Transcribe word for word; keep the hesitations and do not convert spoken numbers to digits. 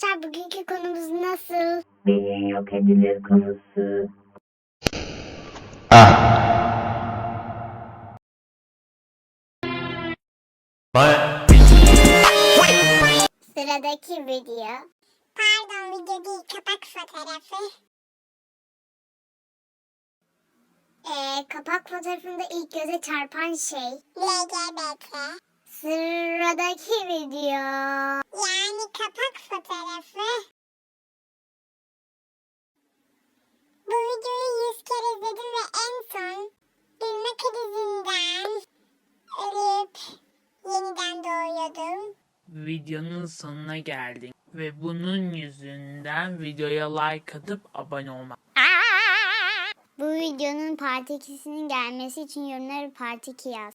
Arkadaşlar bugünkü konumuz nasıl? Beyin yok edilir konusu. Sıradaki video. Pardon, video değil, kapak fotoğrafı. Ee, kapak fotoğrafında ilk göze çarpan şey L G B T. Sıradaki video. Yani kapak fotoğrafı. Bu videoyu yüz kere izledim ve en son gülme krizinden ölüp yeniden doğuyordum. Videonun sonuna geldik ve bunun yüzünden videoya like atıp abone olmak. Bu videonun part ikisinin gelmesi için yorumlara part iki yaz.